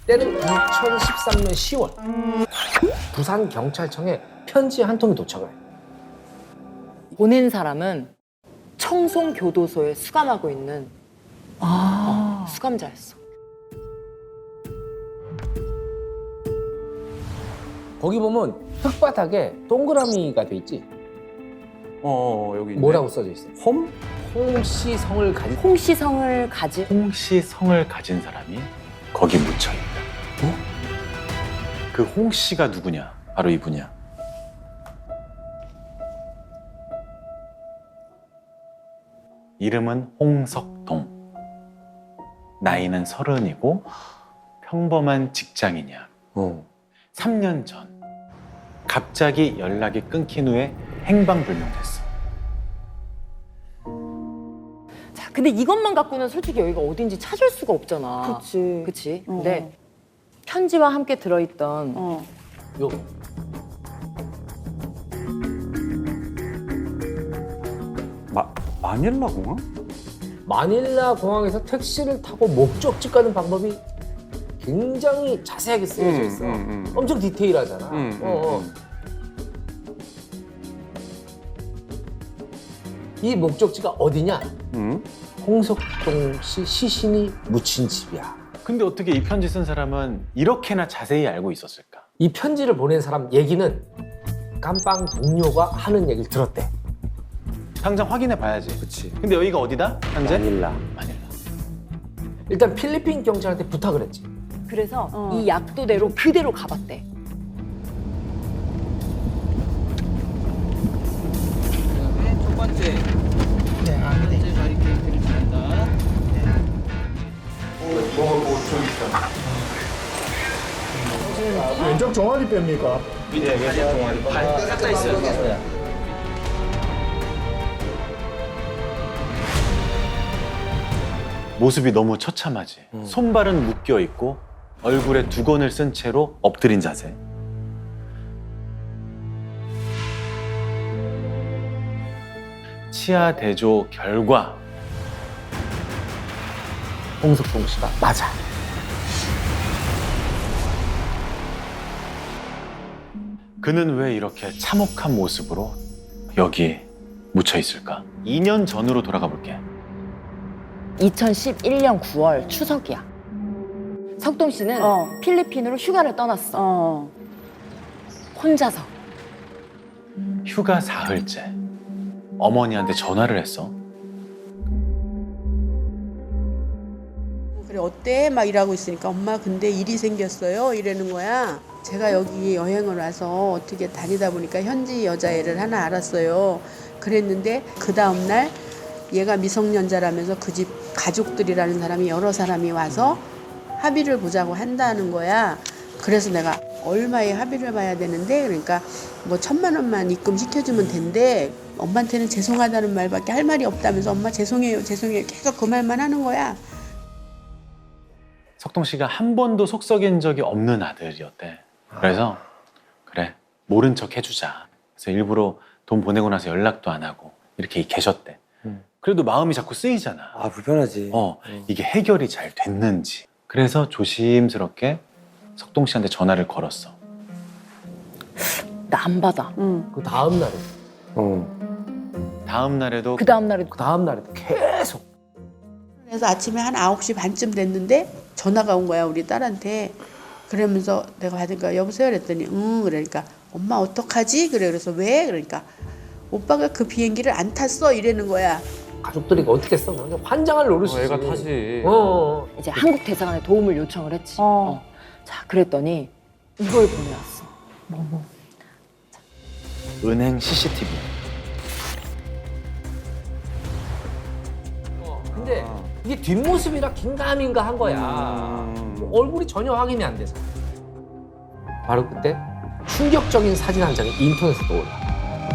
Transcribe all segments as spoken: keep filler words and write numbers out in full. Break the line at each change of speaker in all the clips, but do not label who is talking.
때는 이천십삼 년 시월 부산 경찰청에 편지 한 통이 도착을 해요.
보낸 사람은 청송교도소에 수감하고 있는 어, 수감자였어.
거기 보면 흙바닥에 동그라미가 돼 있지.
어, 여기 있네.
뭐라고 써져 있어?
홈?
홍씨 성을 가진
홍시성을 가진
홍씨 성을 가진 사람이 거기 묻혀 있다. 어? 그 홍씨가 누구냐? 바로 이분이야. 이름은 홍석동. 나이는 서른이고 평범한 직장인이야.
어.
삼 년 전 갑자기 연락이 끊긴 후에 행방불명됐어.
자, 근데 이것만 갖고는 솔직히 여기가 어딘지 찾을 수가 없잖아.
그치.
그치?
어.
근데 편지와 함께 들어있던
어.
요
마, 마닐라 공항?
마닐라 공항에서 택시를 타고 목적지 가는 방법이 굉장히 자세하게 쓰여져
음,
있어.
음, 음.
엄청 디테일하잖아.
음,
어, 어.
음,
이 목적지가 어디냐?
음.
홍석동 씨 시신이 묻힌 집이야.
근데 어떻게 이 편지 쓴 사람은 이렇게나 자세히 알고 있었을까?
이 편지를 보낸 사람 얘기는 깜빵 동료가 하는 얘기를 들었대.
당장 확인해 봐야지.
그치.
근데 여기가 어디다? 현재?
마닐라.
마닐라.
일단 필리핀 경찰한테 부탁을 했지.
그래서
어.
이 약도대로 그대로 가봤대.
그다음에 첫 번째. 네, 첫 번째 바리케이트를 잘한다.
왼쪽 종아리 뺍니까?
싹다 있어요.
모습이 너무 처참하지. 손발은 묶여 있고 얼굴에 두건을 쓴 채로 엎드린 자세. 치아 대조 결과
홍석동 씨가 맞아.
그는 왜 이렇게 참혹한 모습으로 여기 묻혀 있을까? 이 년 전으로 돌아가 볼게.
이천십일 년 구월 추석이야. 석동 씨는
어.
필리핀으로 휴가를 떠났어.
어.
혼자서.
휴가 사흘째. 어머니한테 전화를 했어.
그래 어때? 막 일하고 있으니까 엄마 근데 일이 생겼어요 이러는 거야. 제가 여기 여행을 와서 어떻게 다니다 보니까 현지 여자애를 하나 알았어요. 그랬는데 그 다음 날 얘가 미성년자라면서 그 집 가족들이라는 사람이 여러 사람이 와서 합의를 보자고 한다는 거야. 그래서 내가 얼마에 합의를 봐야 되는데 그러니까 뭐 천만 원만 입금 시켜주면 된대. 엄마한테는 죄송하다는 말밖에 할 말이 없다면서 엄마 죄송해요 죄송해요 계속 그 말만 하는 거야.
석동 씨가 한 번도 속 썩인 적이 없는 아들이었대. 그래서 그래 모른 척 해주자. 그래서 일부러 돈 보내고 나서 연락도 안 하고 이렇게 계셨대.
음.
그래도 마음이 자꾸 쓰이잖아.
아 불편하지.
어 이게 해결이 잘 됐는지. 그래서 조심스럽게 석동 씨한테 전화를 걸었어.
나 안 받아.
응.
그 다음 날에,
어.
다음 날에도
그 다음 날에도
그 다음 날에도 계속.
그래서 아침에 한 아홉 시 반쯤 됐는데 전화가 온 거야 우리 딸한테. 그러면서 내가 받으니까 여보세요 그랬더니 응 그러니까 엄마 어떡하지? 그래 그래서 왜? 그러니까 오빠가 그 비행기를 안 탔어 이러는 거야.
가족들이 이거 어떻게 써? 완전 환장할 노릇이지.
애가 타지.
어, 어.
이제 한국 대사관에 도움을 요청을 했지.
어.
어. 자, 그랬더니 이걸 보내왔어.
은행 씨씨티비.
어. 근데 이게 뒷모습이라 긴가민가 한 거야.
음.
얼굴이 전혀 확인이 안 돼서. 바로 그때 충격적인 사진 한 장이 인터넷에 떠올라.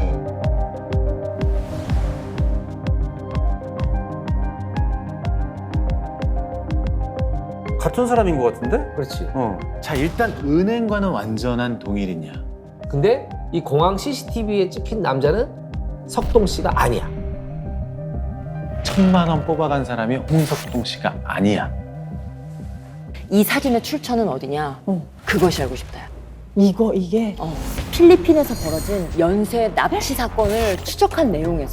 같은 사람인 것 같은데?
그렇지.
어. 자 일단 은행과는 완전한 동일이냐?
근데 이 공항 씨씨티비에 찍힌 남자는 석동 씨가 아니야.
천만 원 뽑아간 사람이 홍석동 씨가 아니야.
이 사진의 출처는 어디냐?
어.
그것이 알고 싶다.
이거 이게
어. 필리핀에서 벌어진 연쇄 납치 사건을 추적한 내용에서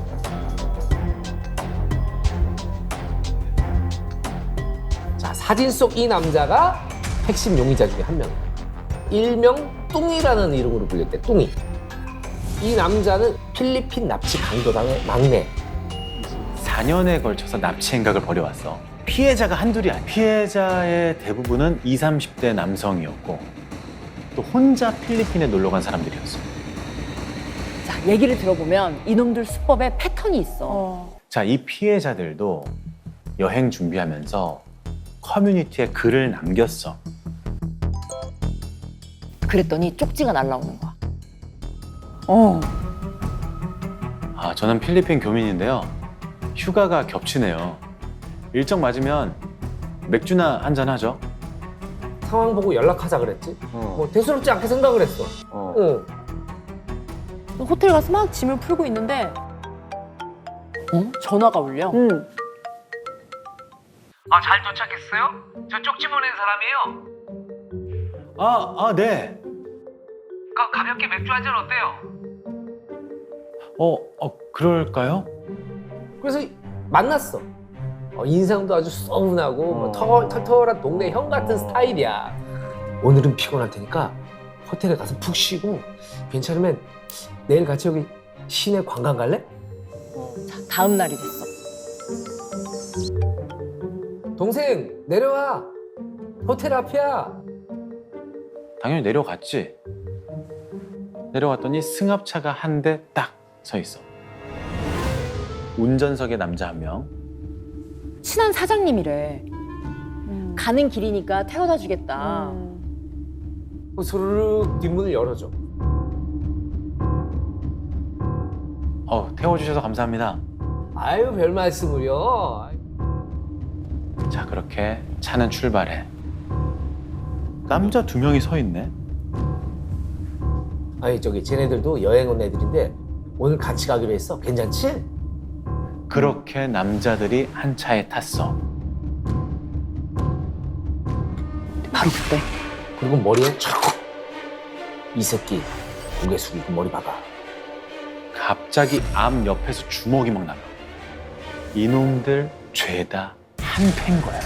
자, 사진 속 이 남자가 핵심 용의자 중에 한 명. 일명 뚱이라는 이름으로 불렸대. 뚱이. 이 남자는 필리핀 납치 강도당의 막내.
사 년에 걸쳐서 납치 행각을 벌여왔어. 피해자가 한둘이 아니야. 피해자의 대부분은 이십, 삼십 대 남성이었고 또 혼자 필리핀에 놀러 간 사람들이었어.
자, 얘기를 들어보면 이놈들 수법에 패턴이 있어.
어.
자, 이 피해자들도 여행 준비하면서 커뮤니티에 글을 남겼어.
그랬더니 쪽지가 날라오는 거야.
어.
아, 저는 필리핀 교민인데요. 휴가가 겹치네요. 일정 맞으면 맥주나 한잔 하죠.
상황 보고 연락하자 그랬지.
어.
뭐 대수롭지 않게 생각을 했어.
어.
어.
호텔 가서 막 짐을 풀고 있는데 어? 전화가 울려.
응.
아, 잘 도착했어요? 저 쪽지 보낸 사람이에요.
아, 아, 네.
가, 가볍게 맥주 한잔 어때요?
어, 어, 그럴까요?
그래서 만났어. 어, 인상도 아주 썩은하고 뭐 터, 털털한 동네 형 같은 스타일이야. 오늘은 피곤할 테니까 호텔에 가서 푹 쉬고 괜찮으면 내일 같이 여기 시내 관광 갈래?
자, 다음 날이 됐어.
동생 내려와. 호텔 앞이야.
당연히 내려갔지. 내려갔더니 승합차가 한 대 딱 서 있어. 운전석에 남자 한 명.
친한 사장님이래.
음.
가는 길이니까 태워다 주겠다.
음.
소르륵 뒷문을 열어줘.
어, 태워주셔서 감사합니다.
아유 별 말씀을요.
자, 그렇게 차는 출발해. 남자 두 명이 서 있네.
아니 저기 쟤네들도 여행 온 애들인데 오늘 같이 가기로 했어. 괜찮지?
그렇게 남자들이 한 차에 탔어.
바로 그때
그리고 머리에 촥. 이 새끼 고개 숙이고 머리 박아.
갑자기 앞 옆에서 주먹이 막 나가. 이놈들 죄다 한패인 거야.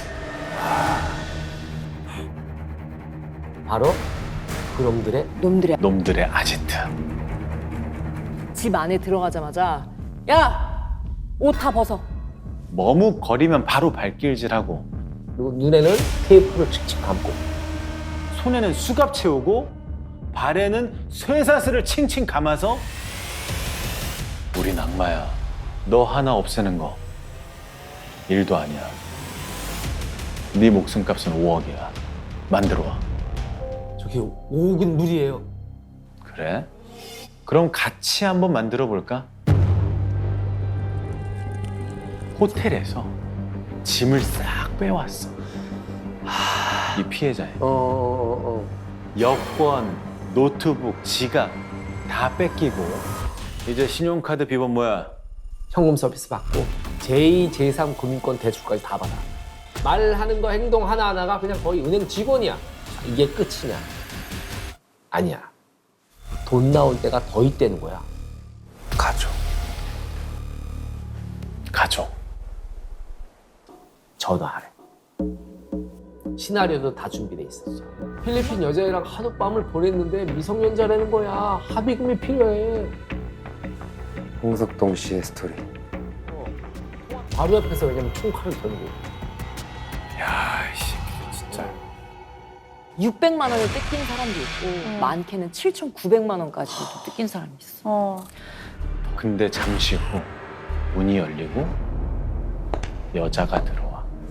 바로 그놈들의
놈들의
놈들의 아지트.
집 안에 들어가자마자 야! 옷 다 벗어.
머뭇거리면 바로 발길질하고
그리고 눈에는 테이프를 칙칙 감고
손에는 수갑 채우고 발에는 쇠사슬을 칭칭 감아서 우린 악마야. 너 하나 없애는 거 일도 아니야. 네 목숨값은 오억이야. 만들어 와.
저기 오억은 무리예요.
그래? 그럼 같이 한번 만들어 볼까? 호텔에서 짐을 싹 빼왔어. 하, 이 피해자의
어, 어, 어.
여권, 노트북, 지갑 다 뺏기고 이제 신용카드 비번 뭐야?
현금 서비스 받고 제이, 제삼 금융권 대출까지 다 받아. 말하는 거 행동 하나하나가 그냥 거의 은행 직원이야. 이게 끝이냐? 아니야. 돈 나올 때가 더 있다는 거야.
가족. 가족.
전화하래. 시나리오도 다 준비돼 있었어. 필리핀 여자애랑 하룻밤을 보냈는데 미성년자라는 거야. 합의금이 필요해.
홍석동 씨의 스토리.
바로 옆에서 왜냐면 총칼을 던고.
야, 이 새끼들 진짜.
육백만 원을 뜯긴 사람도 있고 많게는 칠천구백만 원까지도 뜯긴 사람이 있어.
어.
근데 잠시 후 문이 열리고 여자가 들어와.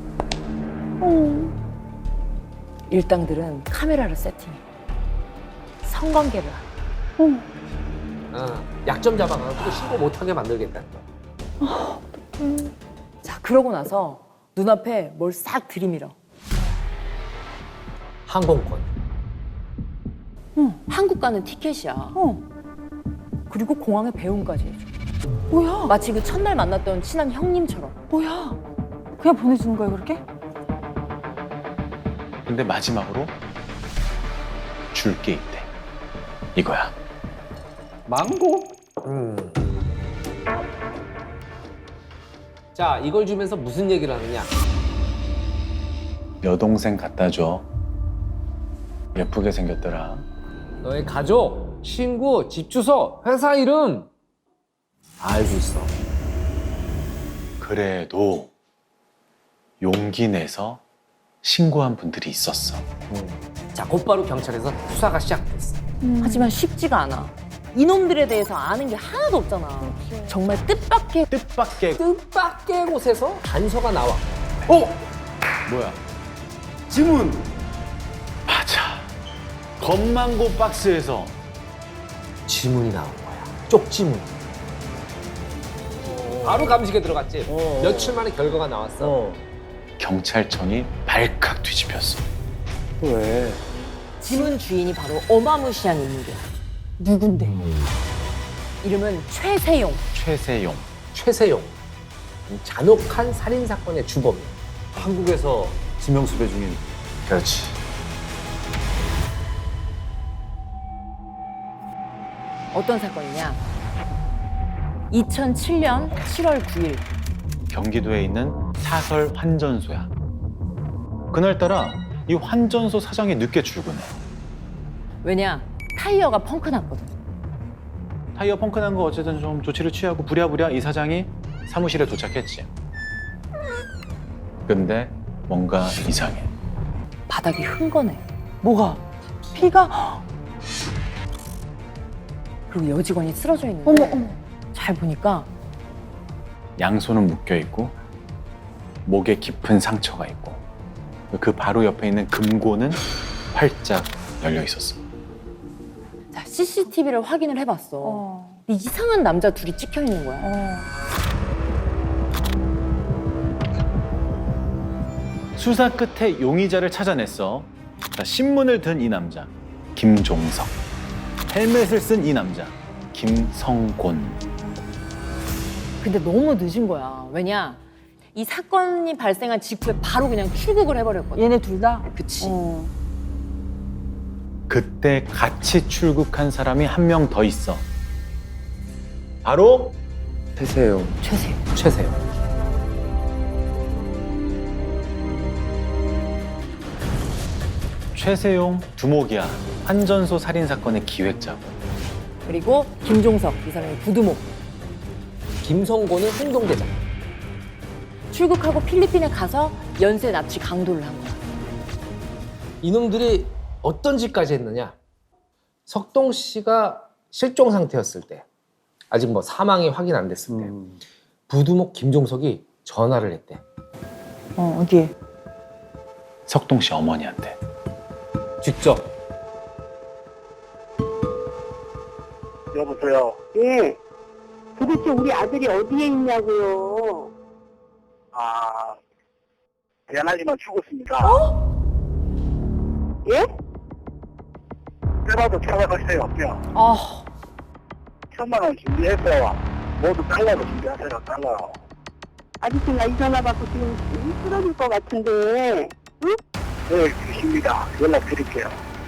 일당들은 카메라를 세팅해. 성관계를 하래.
어, 약점 잡아가지고 신고 못하게 만들겠다는 거야.
자, 그러고 나서 눈앞에 뭘 싹 들이밀어.
항공권.
한국 가는 티켓이야.
어.
그리고 공항에 배웅까지 해줘.
뭐야?
마치 그 첫날 만났던 친한 형님처럼.
뭐야? 그냥 보내주는 거야 그렇게?
근데 마지막으로 줄 게 있대. 이거야.
망고?
음. 자, 이걸 주면서 무슨 얘기를 하느냐?
여동생 갖다 줘. 예쁘게 생겼더라.
너의 가족, 친구, 집 주소, 회사 이름 알고 있어.
그래도 용기 내서 신고한 분들이 있었어.
자, 곧바로 경찰에서 수사가 시작됐어.
하지만 쉽지가 않아. 이놈들에 대해서 아는 게 하나도 없잖아. 정말 뜻밖의
뜻밖의
뜻밖의 곳에서 단서가 나와.
어? 뭐야? 지문! 맞아. 건망고 박스에서
지문이 나온 거야. 쪽지문. 바로 감식에 들어갔지. 며칠 만에 결과가 나왔어.
경찰청이 발칵 뒤집혔어.
왜?
지문 주인이 바로 어마무시한 인물이야. 누군데? 이름은 최세용.
최세용.
최세용. 잔혹한 살인 사건의 주범이야.
한국에서 지명수배 중인.
그렇지.
어떤 사건이냐? 이천칠 년 칠월 구일
경기도에 있는 사설 환전소야. 그날따라 이 환전소 사장이 늦게 출근해.
왜냐? 타이어가 펑크 났거든.
타이어 펑크 난 거 어쨌든 좀 조치를 취하고 부랴부랴 이 사장이 사무실에 도착했지. 근데 뭔가 이상해.
바닥이 흥건해.
뭐가? 피가?
그리고 여직원이 쓰러져 있는데
어머 어머.
잘 보니까
양손은 묶여 있고 목에 깊은 상처가 있고 그 바로 옆에 있는 금고는 활짝 열려 있었어.
자, 씨씨티비를 확인을 해봤어.
어.
근데 이상한 남자 둘이 찍혀 있는 거야.
어.
수사 끝에 용의자를 찾아냈어. 자, 신문을 든 이 남자 김종석. 헬멧을 쓴 이 남자 김성곤.
근데 너무 늦은 거야. 왜냐? 이 사건이 발생한 직후에 바로 그냥 출국을 해버렸거든.
얘네 둘 다?
그치.
어.
그때 같이 출국한 사람이 한 명 더 있어. 바로
태세요.
최세용.
최세용.
최세용 두목이야. 환전소 살인 사건의 기획자고.
그리고 김종석, 이 사람이 부두목.
김성곤은 행동대장.
출국하고 필리핀에 가서 연쇄 납치 강도를 한 거야.
이놈들이 어떤 짓까지 했느냐? 석동 씨가 실종 상태였을 때, 아직 뭐 사망이 확인 안 됐을 때,
음.
부두목 김종석이 전화를 했대.
어 어디에?
석동 씨 어머니한테.
직접.
여보세요. 예. 도대체 우리 아들이 어디에 있냐고요. 아, 미안하지만 죽었습니다. 어? 예? 때라도 찾아가세요. 뼈.
아,
천만 원 준비해서 모두 달라고 준비하세요. 달라. 아저씨가 이 전화 받고 지금 쓰러질 것 같은데. 응? 네, 주십니다. 연락 드릴게요.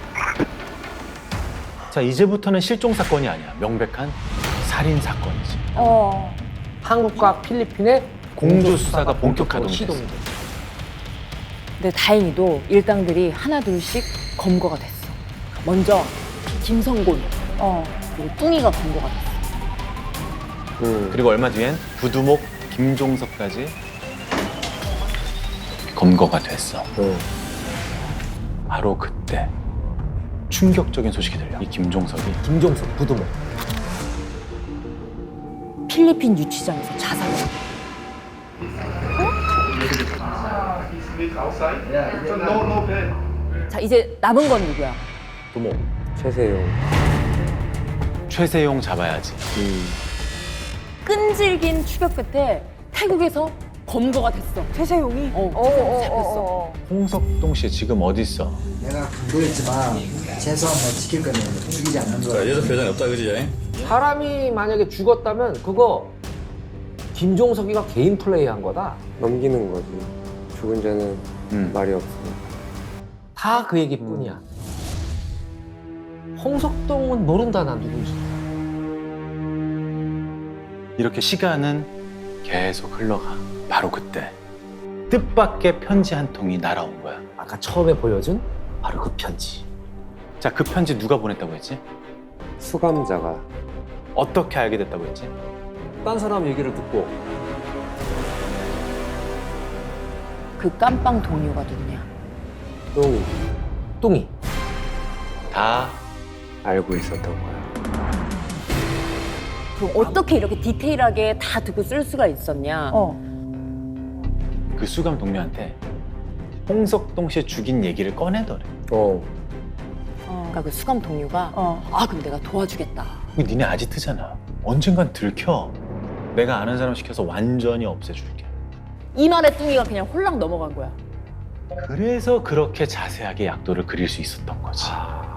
자, 이제부터는 실종 사건이 아니야. 명백한 살인 사건이지.
어.
한국과 필리핀의
공조 수사가 본격화됐어.
시동돼.
근데 다행히도 일당들이 하나 둘씩 검거가 됐어. 먼저 김성곤,
어.
그리고 뚱이가 검거가 됐어.
음.
그리고 얼마 뒤엔 부두목 김종석까지 검거가 됐어.
음.
바로 그때 충격적인 소식이 들려. 이 김종석이
김종석, 부두목.
필리핀 유치장에서 자살을 한 거야. 자, 이제 남은 건 누구야?
두목.
최세요.
최세용 잡아야지.
음.
끈질긴 추격 끝에 태국에서 검거가 됐어.
최세용이?
어,
어, 어,
잡혔어.
어, 어.
홍석동 씨 지금 어디 있어?
내가 강조했지만 최소한 뭐 지킬 거면 죽이지 않는 거야.
얘도 배당이 없다 그지?
사람이 만약에 죽었다면 그거 김종석이가 개인 플레이한 거다.
넘기는 거지. 죽은 자는
음.
말이 없어.
다 그 얘기뿐이야. 홍석동은 모른다, 난 누군지.
이렇게 시간은 계속 흘러가. 바로 그때 뜻밖의 편지 한 통이 날아온 거야.
아까 처음에 보여준 바로 그 편지.
자, 그 편지 누가 보냈다고 했지?
수감자가
어떻게 알게 됐다고 했지?
딴 사람 얘기를 듣고
그 깜빵 동료가 누구냐?
똥이. 뚱이.
다
알고 있었던 거야.
그럼 어떻게 이렇게 디테일하게 다 듣고 쓸 수가 있었냐?
어.
그 수감 동료한테 홍석동 씨 죽인 얘기를 꺼내더래.
어.
그러니까 그 수감 동료가
어.
아 그럼 내가 도와주겠다.
그 니네 아지트잖아. 언젠간 들켜. 내가 아는 사람 시켜서 완전히 없애줄게.
이 말에 뚱이가 그냥 홀랑 넘어간 거야.
그래서 그렇게 자세하게 약도를 그릴 수 있었던 거지.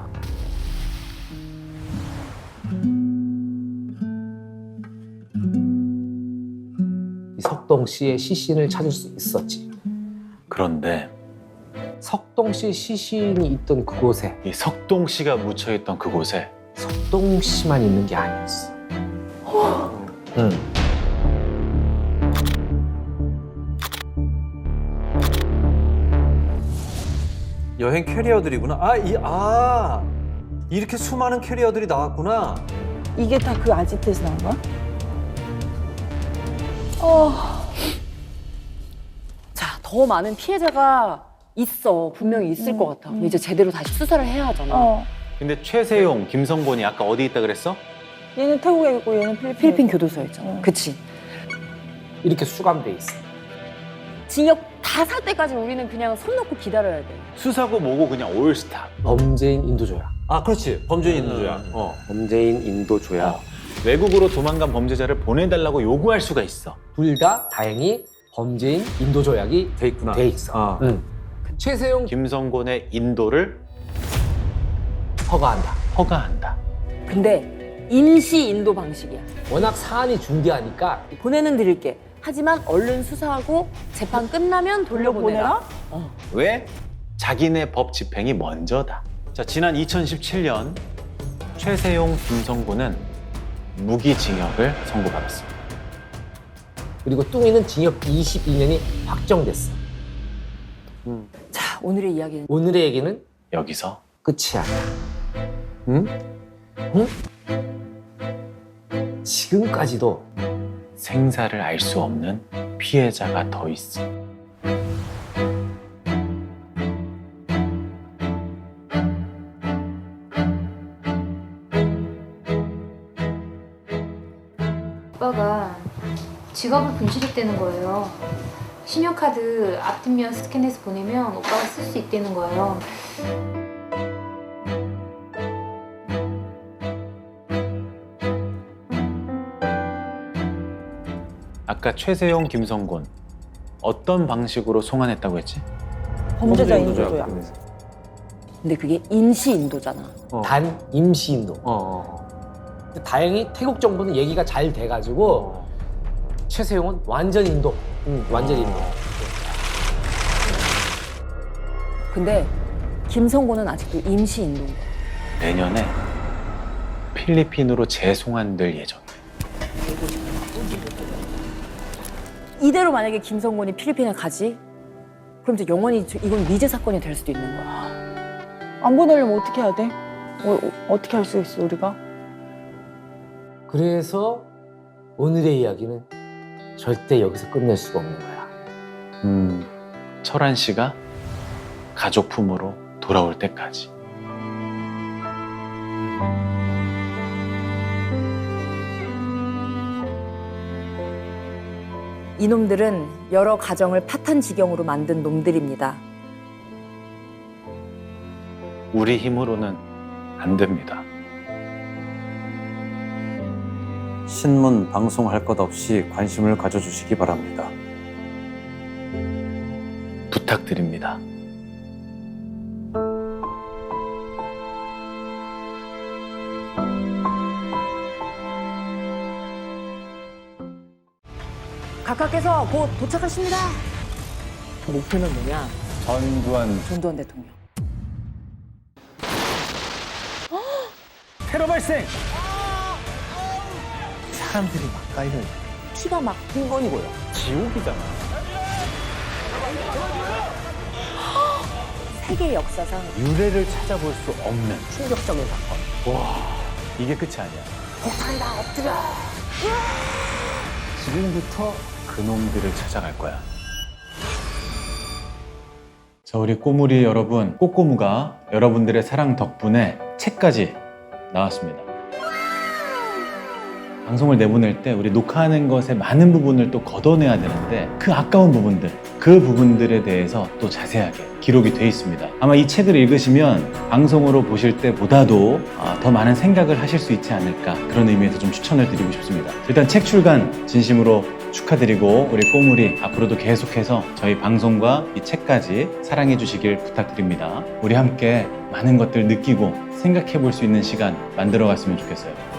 이 석동 씨의 시신을 찾을 수 있었지.
그런데
석동 씨 시신이 있던 그곳에
이 석동 씨가 묻혀있던 그곳에
석동 씨만 있는 게 아니었어. 응.
여행 캐리어들이구나. 아, 이, 아, 이렇게 수많은 캐리어들이 나왔구나.
이게 다 그 아지트에서 나온 거야? 어.
자, 더 많은 피해자가 있어. 분명히 있을 것 같아. 그럼 이제 제대로 다시 수사를 해야 하잖아.
어.
근데 최세용, 김성곤이 아까 어디 있다 그랬어?
얘는 태국에 있고 얘는 필리핀.
필리핀 교도소에 있잖아.
어.
그치.
이렇게 수감돼 있어.
징역 다 살 때까지 우리는 그냥 손 놓고 기다려야 돼.
수사고 뭐고 그냥 올스타.
범죄인 인도조약.
아, 그렇지. 범죄인 인도야. 어.
범죄인 인도조약.
어. 외국으로 도망간 범죄자를 보내달라고 요구할 수가 있어.
둘 다 다행히 범죄인 인도조약이
돼 있구나.
돼 있어.
아.
응. 최세용
김성곤의 인도를
허가한다.
허가한다.
근데 임시 인도 방식이야.
워낙 사안이 중대하니까
보내는 드릴게. 하지만 얼른 수사하고 재판 끝나면 돌려보내라.
돌려보내라?
왜? 자기네 법 집행이 먼저다. 자, 지난 이천십칠 년 최세용, 김성곤은 무기징역을 선고받았습니다.
그리고 뚱이는 징역 이십이 년이 확정됐어.
자, 오늘의 이야기는
오늘의 얘기는
여기서
끝이 아니야. 응? 응? 지금까지도
생사를 알 수 없는 피해자가 더 있어.
오빠가 직업을 분실했다는 거예요. 신용카드 앞뒷면 스캔해서 보내면 오빠가 쓸 수 있다는 거예요.
아까 최세용, 김성곤 어떤 방식으로 송환했다고 했지?
범죄자
범죄인
인도조약.
그래서.
근데 그게 임시 인도잖아.
어.
단 임시 인도.
어.
다행히 태국 정부는 얘기가 잘 돼가지고
어.
최세용은 완전 인도. 응, 완전 인도.
근데 김성곤은 아직도 임시 인도인 거야.
내년에 필리핀으로 재송환될 예정이야.
이대로 만약에 김성곤이 필리핀에 가지? 그럼 이제 영원히 저- 이건 미제 사건이 될 수도 있는 거야.
안 보내려면 어떻게 해야 돼? 어, 어, 어떻게 할 수 있어 우리가?
그래서 오늘의 이야기는 절대 여기서 끝낼 수가 없는 거야.
음, 철한 씨가 가족 품으로 돌아올 때까지.
이놈들은 여러 가정을 파탄 지경으로 만든 놈들입니다.
우리 힘으로는 안 됩니다.
신문 방송할 것 없이 관심을 가져주시기 바랍니다.
부탁드립니다.
각하께서 곧 도착하십니다. 목표는 뭐냐?
전두환
전두환 대통령.
테러 발생! 사람들이 막 깔려있어.
피가 막 흥건히 고요.
지옥이잖아.
세계 역사상
유래를 찾아볼 수 없는
충격적인 사건.
와, 이게 끝이 아니야.
폭탄이다, 엎드려.
지금부터 그놈들을 찾아갈 거야. 자, 우리 꼬물이 여러분, 꼬꼬무가 여러분들의 사랑 덕분에 책까지 나왔습니다. 방송을 내보낼 때 우리 녹화하는 것의 많은 부분을 또 걷어내야 되는데 그 아까운 부분들, 그 부분들에 대해서 또 자세하게 기록이 돼 있습니다. 아마 이 책을 읽으시면 방송으로 보실 때보다도 더 많은 생각을 하실 수 있지 않을까, 그런 의미에서 좀 추천을 드리고 싶습니다. 일단 책 출간 진심으로 축하드리고 우리 꼬물이 앞으로도 계속해서 저희 방송과 이 책까지 사랑해 주시길 부탁드립니다. 우리 함께 많은 것들 느끼고 생각해 볼 수 있는 시간 만들어 갔으면 좋겠어요.